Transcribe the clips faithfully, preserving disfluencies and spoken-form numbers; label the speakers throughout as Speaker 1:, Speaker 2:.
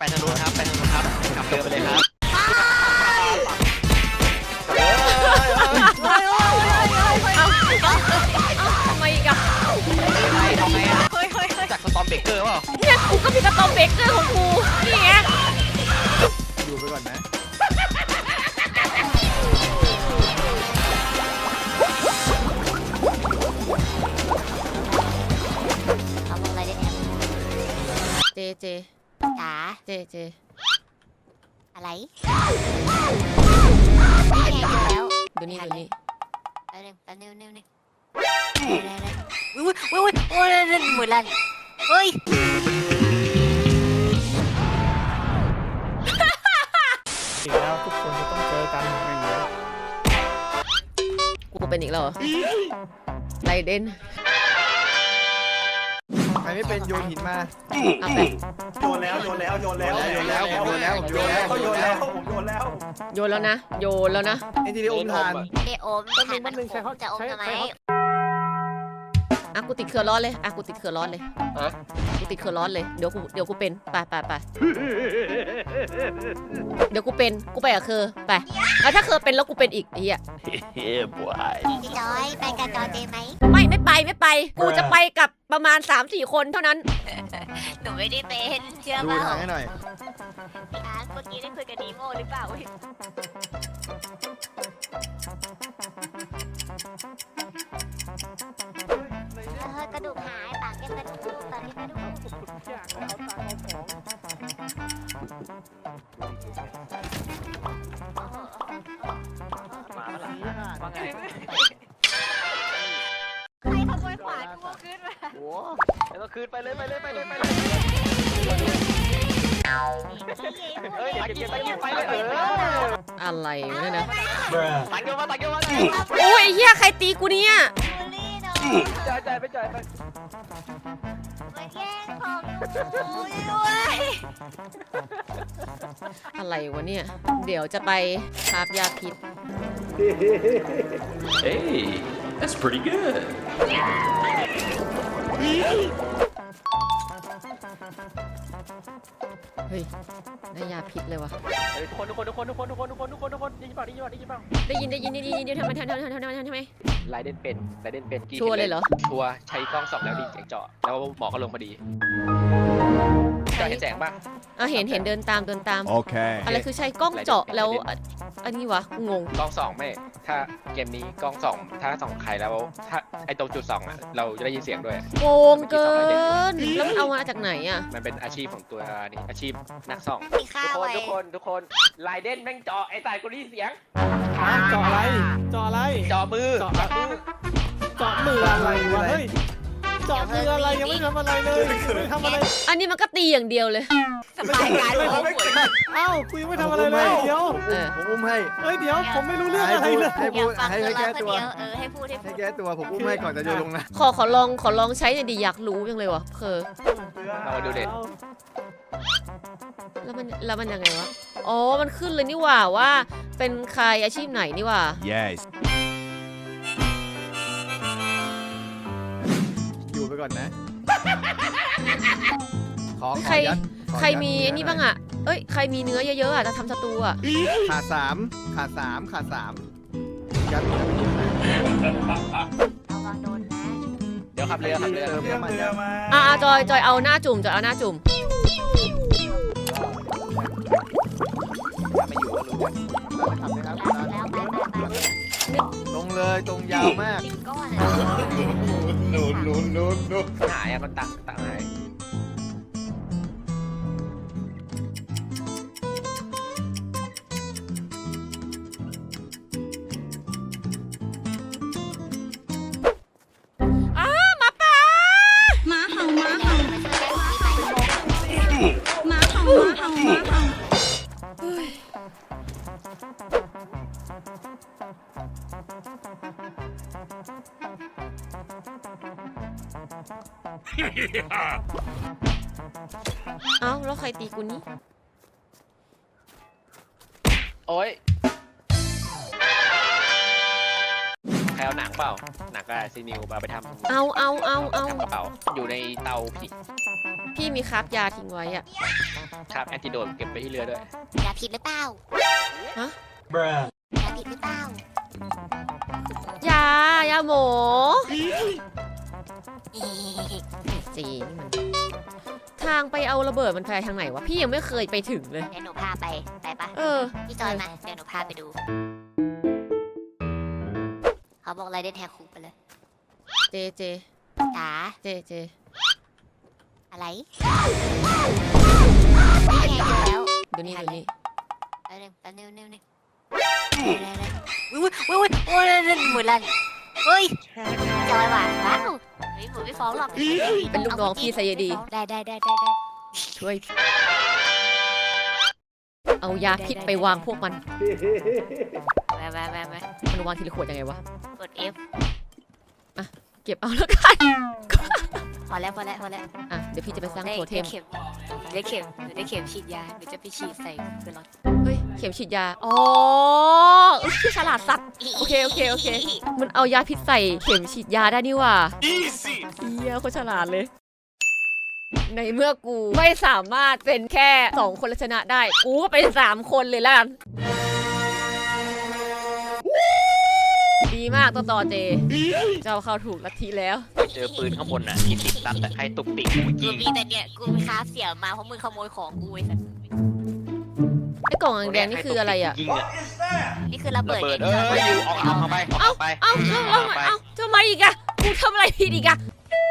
Speaker 1: ไปทางนู้นครับไปทางนู้นครับกลับเรือไปเลยครับ
Speaker 2: ทำไมอีกอะ
Speaker 1: ทำไมอ่ะจากสตอมเบเกอร์เปล่า
Speaker 2: เนี่ยกูก็มีสตอมเบเกอร์ของกูนี่ไง
Speaker 3: อยู่ไปก่อนนะ
Speaker 4: เอาลงอะไรได้เนี่ย
Speaker 2: เจเจ
Speaker 4: จ๋า
Speaker 2: เจเจ
Speaker 4: อะไรนี่ไงเจอแล้ว
Speaker 2: ดูนี่ดูนี่
Speaker 4: แป๊บนึงแป๊บนึงแป๊บนึงแป๊บนึงอุ้ยอุ้ยอุ้ยอุ้ยหมุนลันเฮ้ย
Speaker 3: อีกแล้วทุกคนจะต้องเจอกันไม่เหมือน
Speaker 2: กูเป็นอีกแล้วเหรอไรเดน
Speaker 3: ใครไม่เป็นโยนหินมา
Speaker 2: เอาไป
Speaker 5: โยนแล้วโยนแล้วโยนแล้ว
Speaker 3: โยนแล้วผมโยนแล้วผมโยนแล้ว
Speaker 5: เขาโยนแล้วผมโยนแล้ว
Speaker 2: โยนแล้วนะโยนแล้วนะ
Speaker 3: ไอ้ที่ได้อมทาน
Speaker 4: เอโอมทานมันขมจะอมทำไม
Speaker 2: อ่ะกูติดเครือร้อนเลยอ่ะกูติดเครือร้อนเลย
Speaker 1: ฮะ
Speaker 2: กูติดเครือร้อนเลยเดี๋ยวกูเดี๋ยวกูเป็นไปไปไปเดี๋ยวกูเป็นกูไปกับเคอไปแล้วถ้าเคอเป็นแล้วกูเป็นอีกไอ้เหี้ย
Speaker 1: เฮ้ยบวย
Speaker 4: พี่จอยไปกับจอยเจไหม
Speaker 2: ไม่ไม่ไปไม่ไปกูจะไปกับประมาณ สามสี่ คนเท่านั้น
Speaker 4: หนูไม่ได้เป็นเชื่อ
Speaker 3: ดู
Speaker 4: เปล่า
Speaker 3: ทางให้หน่อย
Speaker 4: อ่ะเมื่อกี้ได้คุยกับดีโมหรือเปล่าเออกระดูกหายปากเก็บกระดูกปากเก็บกระดูก
Speaker 1: มาแล้วว่าไง
Speaker 4: ใครขโมยขวานกูขึ้นมา
Speaker 1: โอ้แล้วก็คืนไปเลยไปเลยไปเลยไปเลยเฮ้ยตะกี้ตะกี้ไปเลยเออ
Speaker 2: อะไรวะเนี่ยนะ
Speaker 1: ตังเยอะมาตังเยอะมา
Speaker 2: โอ้ยไอ้เหี้ยใครตีกูเนี่ย
Speaker 4: บูลลี่เนาะ
Speaker 1: จ่ายจ่ายไปจ่ายไป
Speaker 4: มาแย่งของหนูด้วย
Speaker 2: อะไรวะเนี่ยเดี๋ยวจะไปคาบยาพิษ
Speaker 6: Hey, that's pretty good.
Speaker 2: เฮ้ยได้ยาพิษเลยวะ
Speaker 1: เฮ้ยทุกคนทุกคนทุกคนทุกคนทุกคนทุกคนทุกคนทุกคนได้ยินเปล่าได้ยินเปล่าได้ยินเปล่า
Speaker 2: ได้ยินได้ยินได้ยินได้ยินทำไมทำไมทำไมทำไมทำไม
Speaker 1: ไลเดนเป็นไลเดนเป็น
Speaker 2: ชัวร์เลยเหรอ
Speaker 1: ชัวร์ใช้กล้องส่องแล้วดีเสียงเจาะแล้วหมอก็ลงพอดีเจาะเห็นแสงป่ะ
Speaker 2: อ่ะเห็นเห็นเดินตามเดินตาม
Speaker 3: Okay
Speaker 2: อะไรคือใช้กล้องเจาะแล้วอ่ะอันนี้วะกูงง
Speaker 1: กล้องส่องไม่ถ้าเกมนี้กล้องส่องถ้าส่องใครแล้วถ้าไอตรงจุดส่องอ่ะเราจะได้ยินเสียงด้วย
Speaker 2: โกงเกินแล้วมันเอามาจากไหนอ่ะ
Speaker 1: มันเป็นอาชีพของตัวนี่อาชีพนักส่อง
Speaker 4: มี
Speaker 1: ทุ
Speaker 4: ข้าก ว
Speaker 1: คน
Speaker 4: ไว้
Speaker 1: ทุกคนทุกคนไลเดนแม่งเจาะไอ้สายกูได้ยินเสียง
Speaker 5: เจาะอะไรเจาะอะไร
Speaker 1: เจาะมือ
Speaker 5: เจาะมือเจาะมืออะไรวะเฮ้ยเจาะมืออะไรยังไม่ทำอะไรเลยไม่ทำอะไร
Speaker 2: อันนี้มันก็ตีอย่างเดียวเลย
Speaker 4: สบายการหัวหมุน
Speaker 5: เอ้ากูยังไม่ทำอะไรเลยเดี๋ยว
Speaker 2: เออ
Speaker 3: ผมอุ้มให้
Speaker 5: เฮ้ยเดี๋ยวผมไม่รู้เรื่องอะไรเลย
Speaker 3: ให้
Speaker 4: อ
Speaker 3: พู
Speaker 4: ยา
Speaker 3: ด
Speaker 4: กฟัง
Speaker 3: ให้
Speaker 4: ตัว
Speaker 3: ให้
Speaker 4: เรา
Speaker 3: แก้
Speaker 4: คน
Speaker 3: ตัว
Speaker 4: เดียวเออให้พูดให้พู
Speaker 3: ให้
Speaker 4: ด
Speaker 3: แก้ตัวผมอุ้มให้ก่อนจะโยนลงนะ
Speaker 2: ขอขอลองขอลองใช้หน่อยดิอยากรู้จังเลยวะเคอ
Speaker 1: เรามาดูเด็ด
Speaker 2: แล้วมันแล้วมันยังไงวะอ๋อมันขึ้นเลยนี่หว่าว่าเป็นใครอาชีพไหนนี่หว่า
Speaker 3: Yes อยู่ไปก่อนนะขอข
Speaker 2: ใคร
Speaker 3: อยัดขอยัด
Speaker 2: ใครมี
Speaker 3: เอ
Speaker 2: ไอ้นี่บ้างอ่ะเอ้ยใครมีเนื้อเยอะๆอ่ะจะทำสตูอ่ะ
Speaker 3: ขาดสามขาดสามขาดสามยัดยัดไปเยอะนะ
Speaker 4: ระวังโดนนะ
Speaker 1: เดี๋ยวขับเรือขับเรือ
Speaker 3: เติม
Speaker 5: เรื่อง
Speaker 3: น้ำมัน
Speaker 5: เรือ
Speaker 3: ยัด
Speaker 5: มา
Speaker 2: อ่ะจอยจอยเอาหน้าจุ่มจอยเอาหน้าจุ่ม
Speaker 1: ไม่อยู่ก็รู้กัน
Speaker 3: เราไปทำนะครับ
Speaker 4: แล้วไปไปไป
Speaker 3: ตรงเลยตรงยาวมาก
Speaker 4: สิบก้อนเลย
Speaker 1: หายอ่ะมันตักตักหาย
Speaker 2: อ้าหมาป่า
Speaker 7: หมาเห่าหมาเห่า
Speaker 4: มาช่วยกันดีไป
Speaker 7: หมาเห่าหมาเห่าหมาเห่า
Speaker 2: เอ้าแล้วใครตีกูนี่
Speaker 1: โอ้ยใครรเอาหนังเปล่าหนังกับซีนิวมาไปทำ
Speaker 2: เอาเอาเอาเอา
Speaker 1: ทำกระเป๋าอยู่ในเตาผิด
Speaker 2: พี่มีคราฟยาทิ้งไว้อะ
Speaker 1: ครับแอนติโดดเก็บไปที่เรือด้วย
Speaker 4: ยาผิดหรือเปล่า
Speaker 2: ฮะ
Speaker 4: ยาผิดหรือเปล่าย
Speaker 2: ายาหมอ
Speaker 4: เอ๊ะ
Speaker 2: จีนี่มันทางไปเอาระเบิดมันไปทางไหนวะพี่ยังไม่เคยไปถึงเลย
Speaker 4: เดี๋ยวหนูพาไปไปปะ
Speaker 2: เออ
Speaker 4: พี่จอยมาเดี๋ยวหนูพาไปดูเขาบอกอะไรเด่นแฮกคุกไปเลย
Speaker 2: เจเจ
Speaker 4: จ๋า
Speaker 2: เจเจ
Speaker 4: อะไรไม่แฮกอยู่แล้ว
Speaker 2: ดูนี่ดูนี่
Speaker 4: แป๊บนึงแป๊บนึงนึงนึงอุ้ยอุ้ยอุ้ยอุ้ยหมื่นลันเฮ้ยจอยว่ะว้าวเฮ้ยหมูไม่ฟ้องหรอก
Speaker 2: เป็นลูกน้องพี่ไซยดี
Speaker 4: ได้ได้ได้ได้ได้
Speaker 2: ช่วยเอายาพิษไปวางพวกมัน
Speaker 4: มามามามา
Speaker 2: มันวางทีละขวดยังไงวะ
Speaker 4: กด F
Speaker 2: เก็บเอาแล้วกัน
Speaker 4: พอแล้วพอแล้วพอแล้ว
Speaker 2: อ่ะเดี๋ยวพี่จะไปสร้าง
Speaker 4: ได้
Speaker 2: โทเทม
Speaker 4: ได้เข็มได้เข็มได้เข็มฉีดยาเดี๋ยวจะไปฉีดใส่เกลือรถ
Speaker 2: เฮ้ยเข็มฉีดยาอ๋ออุ๊ยพี่ฉลาดสัตว์ โอเคโอเคโอเค มันเอายาพิษใส่เข็มฉีดยาได้นี่หว่าเฮียโคตรฉลาดเลย ในเมื่อกูไม่สามารถเป็นแค่สองคนและชนะได้ กูก็เป็นสามคนเลยละกันดีมากต่อต่อเจ เจ้าเข้าถูกลัทธิแล้ว
Speaker 1: เจอปืนข้างบนน่ะที่ติดตัดแต่ใครตุกติกกู
Speaker 4: กู
Speaker 1: ยิง
Speaker 4: มีแต่เนี่ยกูไปค้าเสี่ยวมาเพราะมึงขโมยของกูไอ้สัส
Speaker 2: ไอ้กล่องแดงๆนี่คืออะไรอ่ะ
Speaker 1: ยิงอะ
Speaker 4: นี่คือระเบิ
Speaker 1: ระ
Speaker 4: ด
Speaker 1: เบิด
Speaker 4: นี่
Speaker 1: เอ้ยอยู่ออกเอาเข้าไปออกไป
Speaker 2: เอ้าเอ้าเอ้าเอ้าทำไมอีกอะกูทำอะไรผิดอีกอะ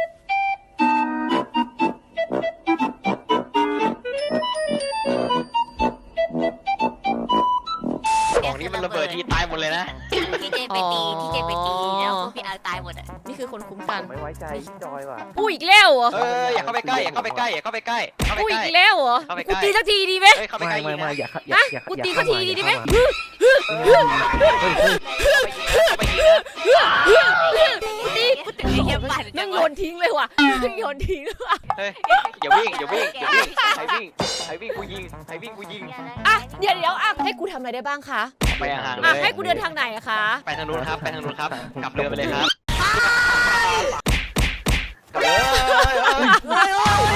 Speaker 1: ของนี้มันระเบิดที่ตายหมดเลยนะ
Speaker 4: ที่เจไปตีที่เจไปตีแล้วพวกพี่เอาตายหมดอ่ะ
Speaker 2: นี่คือคนคุ้มกัน
Speaker 5: ไม่ไว้ใจพี่จอยว่ะ
Speaker 2: กูอีกแล้วเหรอ
Speaker 1: เอออย่าเข้าไปใกล้อย่าเข้าไปใกล้อย่าเข้าไปใกล้เข้าไป
Speaker 2: กู
Speaker 1: ใก
Speaker 2: อี
Speaker 1: ล้
Speaker 2: กแล้วเหรอ
Speaker 1: เข้าไปใก
Speaker 2: กู
Speaker 1: ล้
Speaker 2: ตีสักทีดีไหม
Speaker 1: เฮ้ยเข้าไปใกล้
Speaker 5: ไม่ไม่
Speaker 1: ยิงนะ
Speaker 5: อย่าอย่าอย่าอย่า
Speaker 2: กูตีสักทีดีไหม
Speaker 1: เข้าไปยิงนะ
Speaker 2: กูตีกูตี
Speaker 4: ไอ้เหี้ยปั่น
Speaker 2: นั่งโยนทิ้งเลยว่ะนั่งโยนทิ้งเลยว่ะ
Speaker 1: เฮ้ยอย่าวิ่งอย่าวิ่งอย่าวิ่งใครวิ่งใครวิ่งกูยิงใครวิ่งกูยิง
Speaker 2: อ่ะเดี๋ยวเดี๋ยวอ่ะให้กูทำอะไรได้บ้างคะ
Speaker 1: ไปห่างๆเล
Speaker 2: อ่ะ
Speaker 1: ย
Speaker 2: ให้กูเดินทางไหนอะคะ
Speaker 1: ไปทางนู้นครับไปทางนู้นครับกลับเรือไปเลยครับกลับเรือ
Speaker 2: เอ้า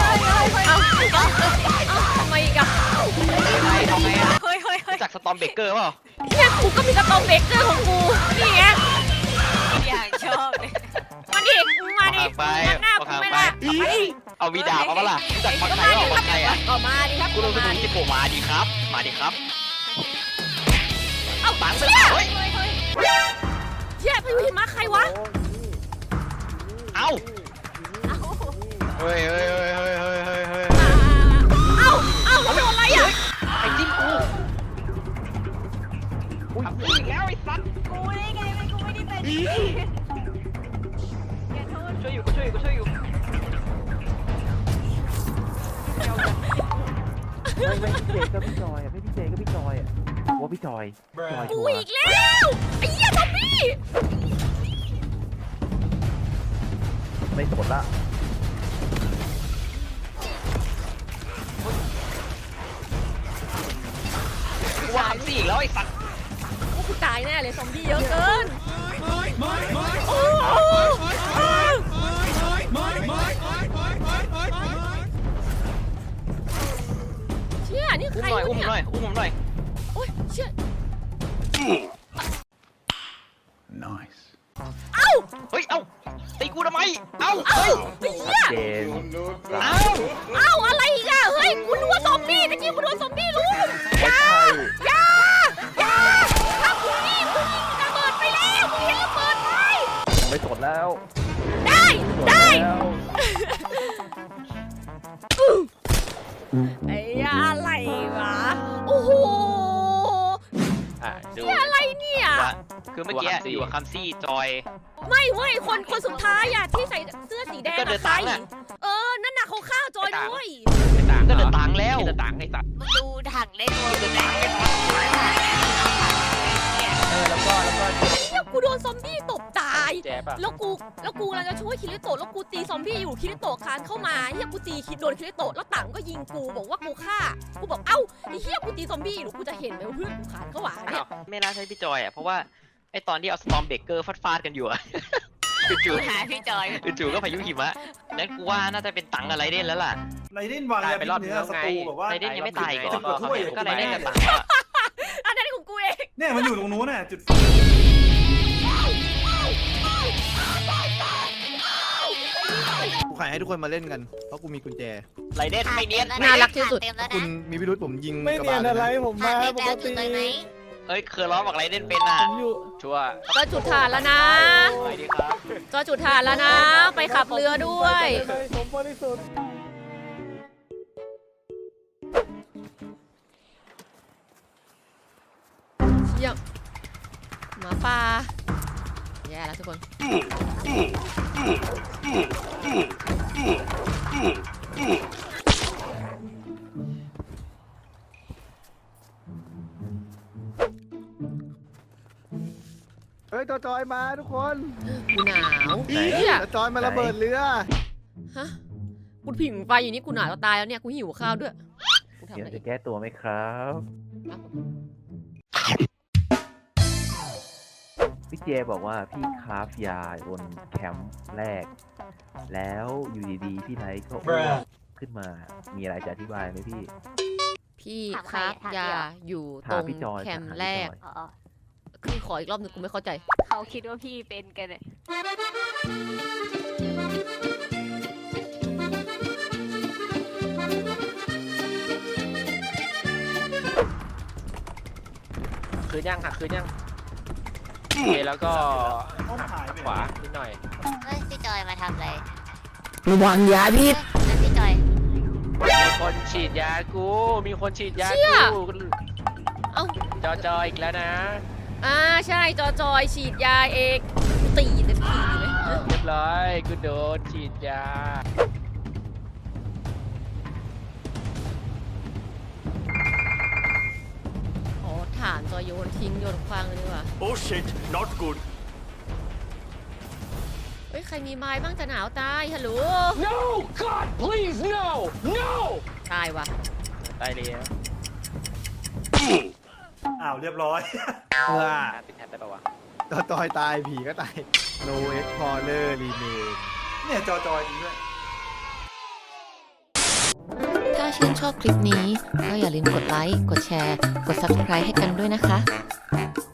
Speaker 2: ทำไมอีกอะ
Speaker 1: ทำไงอะ
Speaker 4: เฮ้ยเฮ้ยเฮ้ย
Speaker 1: จากสตอมเบเกอร์เปล่า
Speaker 2: เนี่ยกูก็มีกระตอมเบเกอร์ของกูนี่ไง
Speaker 4: อย่างชอบเลย
Speaker 2: มาดิมึงมาดิ
Speaker 1: ไป
Speaker 2: งัดหน้า
Speaker 1: เอา
Speaker 2: กู
Speaker 1: ห่าง
Speaker 2: ไม่
Speaker 1: ไป
Speaker 2: ได้ไป
Speaker 1: เอาวีดาบมาปะล่ะจากคนไทยออกคนไทยอ่ะ
Speaker 2: ออกมาดิครับ
Speaker 1: กูรู้สึก
Speaker 2: มา
Speaker 1: ถึง
Speaker 2: ดิ
Speaker 1: จิโกมาดีครับ มาดีครับ
Speaker 2: เอา
Speaker 1: ปังไป
Speaker 2: เชี่ย
Speaker 1: เฮ้ย
Speaker 2: เชี่ยพายุหิมะใครวะ
Speaker 1: เอ้าเฮ้ยเฮ้ยเฮ้ยเฮ้ยเฮ้ยเฮ้ยเฮ้ย
Speaker 2: เอ้าเอ้าโดนอะไรอ่ะ
Speaker 1: ไอ้จิ้มกูทำอีกแล้วไอ้สัตว์
Speaker 4: กูได้ไงมันกูไม่ได้เป็นอย่าโทษ
Speaker 1: ช่วยอยู่กูช่วยอยู่กูช่วยอยู่
Speaker 5: ไม่ไม่พี่เจก็พี่จอยอ่ะไม่พี่เจก็พี่จอยอ่ะว่าพี่จอยจอย
Speaker 2: กู
Speaker 5: ชัว
Speaker 2: อี
Speaker 5: ร์
Speaker 2: กแล้วไอ้เหี้ยทอมบี้
Speaker 5: ไม่สนละ
Speaker 1: กูว่าทำสี่อีกแล้วไอ้สัตว์
Speaker 2: โอ้กูตายแน่เลยซอมบี้เยอะเกินโอ้โหเชี่ยนี่
Speaker 1: อุ้
Speaker 2: ใค
Speaker 1: ม
Speaker 2: ร
Speaker 1: หน่อยว
Speaker 2: ะ
Speaker 1: อุ้ม
Speaker 2: เนี่ย
Speaker 1: หน่อยอุ้มผมหน่อย
Speaker 2: โอ้ยเชี่ย
Speaker 6: Nice.
Speaker 2: เอ้า
Speaker 1: เฮ้ยเอ้าตีกูทำไมเอ้า
Speaker 2: เอ้า
Speaker 1: เฮ้ย
Speaker 2: ไอ้
Speaker 5: ชั
Speaker 2: เหี้
Speaker 5: ด
Speaker 2: ย
Speaker 5: เจน
Speaker 1: เอ้า
Speaker 2: เอ้าอะไรอีกอะเฮ้ยกูนึกว่าซอมบี้ตะกี้กูโดนซอมบี้ลุม
Speaker 5: ไม่ใช่
Speaker 2: อย่าอย่าถ้ากูนี่กูยิงระเบิดไปแล้วกูยิงระเบิดไป
Speaker 5: ไม่สนแล้ว
Speaker 2: ได้ได้
Speaker 5: แล้ว
Speaker 2: ไอ้อะไรวะโอ้โห
Speaker 1: อ่ะดู
Speaker 2: นี่อะไรเนี่ย
Speaker 1: ว่าคือเมื่อกี้อยู่กับคัมซี่จอย
Speaker 2: ไม่เว้ยคนคนสุดท้ายอะที่ใส่เสื้อสีแดง
Speaker 1: ก็เดิ
Speaker 2: อะ
Speaker 1: น
Speaker 2: ใคร
Speaker 1: ตามน่ะ
Speaker 2: เออนั่นน่ะเขาฆ่าจอยด้วย
Speaker 1: ก็เดินตังแล้วเดินตังไอ้สัตว์
Speaker 4: มึงดูถังได้ตัวมึงนะ
Speaker 1: เออแล้วก็แล้วก็
Speaker 2: เฮียกูโดนซอมบี้ตบตาย
Speaker 1: แจ๊บอะ
Speaker 2: แล้วกูแล้วกูกำลังจะช่วยคิริโตะแล้วกูตีซอมบี้อยู่คิริโตะคานเข้ามาเฮียกูตีคิดโดนคิริโตะแล้วต่างก็ยิงกูบอกว่ากูฆ่ากูบอกเอ้าไอ้เฮียกูตีซอมบี้อยู่กูจะเห็นไหมว่าเพื่อนกูคานเข้าหาเนี่ย
Speaker 1: อ้าวไม่น่าใช่พี่จอยอ่ะเพราะว่า
Speaker 8: ไอตอนที่เอาสตอมเบเกอร์ฟาดๆกันอยู่อะ จู่
Speaker 4: หาพี่จอย
Speaker 8: ๆจู่ๆก็พายุหิมะนั้นกูว่าน่าจะเป็นตังอะไรเด่นแล้วล่ะ
Speaker 5: ไรเด่นวางยาพิษเนื้อสตูแบบว่า
Speaker 8: ไรเด่นยังไม่ตายอีก่อน
Speaker 5: จุดถ้วย
Speaker 8: ก็ไรเด่นกับตังอะ
Speaker 2: อันนั้นของกูเอง
Speaker 5: เนี่ยมันอยู่ตรงนู้นน่ะจุด
Speaker 3: กูขายให้ทุกคนมาเล่นกัน เพราะกูมีกุญแจ
Speaker 8: ไรเด่นไม่เนียน
Speaker 2: น่ารักที่สุด
Speaker 4: เต็มแล้ว
Speaker 3: คุ
Speaker 4: นะ
Speaker 3: ณมีพิรุธผมยิง
Speaker 5: ไม่
Speaker 3: กระ
Speaker 5: เนีย
Speaker 3: บาล
Speaker 5: น
Speaker 3: เลย
Speaker 5: อะไร
Speaker 3: นะ
Speaker 5: ผม
Speaker 4: ขา
Speaker 5: มา
Speaker 4: ดเต็ม
Speaker 5: ป
Speaker 4: แล้
Speaker 5: ก
Speaker 4: วจุด
Speaker 5: ติ
Speaker 4: เลยไหม
Speaker 8: เอ้ยเคยร้องบอกไรเด่นเป็นอ่ะ
Speaker 5: ผมอยู่
Speaker 1: ชัวร์
Speaker 2: ก็จุดฐานแล้วนะ
Speaker 8: ไปดีครับ
Speaker 2: ก็จุดฐานแล้วนะ ไปขับเรือด้วย
Speaker 5: ผมบริสุทธิ์
Speaker 2: เยี่ยมหมาป่าแย่แล้วทุกคน
Speaker 3: เฮ้ยจอจอยมาทุกคน
Speaker 2: กูหนาวเฮีย
Speaker 3: จอจอยมาระเบิดเรือ
Speaker 2: ฮะกูผิงไฟอยู่นี่กูหนาวจะตายแล้วเนี่ยกูหิวข้าวด้วยกูทำ
Speaker 9: เดี๋
Speaker 2: อะ
Speaker 9: ยว
Speaker 2: ไร
Speaker 9: จะแก้ตัวไหมครับ
Speaker 2: ครับผม
Speaker 9: พี่เจบอกว่าพี่คราฟยาบนแคมป์แรก แล้วอยู่ดีๆ พี่ไนท์ก็อ้วกขึ้นมา มีอะไรจะอธิบายไหมพี่
Speaker 2: พี่
Speaker 4: ถาม
Speaker 2: ค
Speaker 4: ใคร
Speaker 2: รับ
Speaker 4: อะถาม
Speaker 2: ยา
Speaker 4: พี่เหรอ
Speaker 2: อยู่ตร
Speaker 9: ถาม
Speaker 2: ง
Speaker 9: พี่จอย
Speaker 2: แคมป์
Speaker 9: ถามพี่
Speaker 2: แรก
Speaker 9: จอย
Speaker 4: อ๋อ
Speaker 2: คือขออีกรอบหนึงกูไม่เข้าใจ
Speaker 4: เขาคิดว่าพี่เป็นกันเนี่ย
Speaker 1: คืนยังหักคืนยังโอเคแล้วก็
Speaker 5: ห้องหายไป
Speaker 1: ขวานิดหน่อย
Speaker 4: เฮ้ยพี่จอยมาทำอะไร
Speaker 2: ระวังยาพิษ
Speaker 4: เฮ้ยนั่นพี่จอย
Speaker 1: มีคนฉีดยากู มีคนฉีดยา
Speaker 2: เชี่ย
Speaker 1: กู
Speaker 2: เอ้า
Speaker 1: จอจออีกแล้วนะ
Speaker 2: อ่าใช่จอจอยฉีดยาเองตีเต็มทีเลยเอ้ย
Speaker 1: เรียบร้อยกูโดนฉีดยา
Speaker 2: อ๋อฐานจอยโยนทิ้งโยนคว้างเลยดีกว่า
Speaker 5: Oh shit not good
Speaker 2: เฮ้ยใครมีไม้บ้างจะหนาวตายฮัลโหล
Speaker 1: no god please no no
Speaker 2: ตายว่ะ
Speaker 1: ตายเลยอะ
Speaker 5: อ้าวเรียบร้อย
Speaker 3: เออ
Speaker 1: ติดแท็บได้ปะวะ
Speaker 3: จอจอยตายผีก็ตาย No Explorer Remake
Speaker 5: เนี่ยจอจอยจริงด้วย
Speaker 2: ถ้าชื่นชอบคลิปนี้ก็อย่าลืมกดไลค์ กดแชร์ กด ซับสไครบ์ ให้กันด้วยนะคะ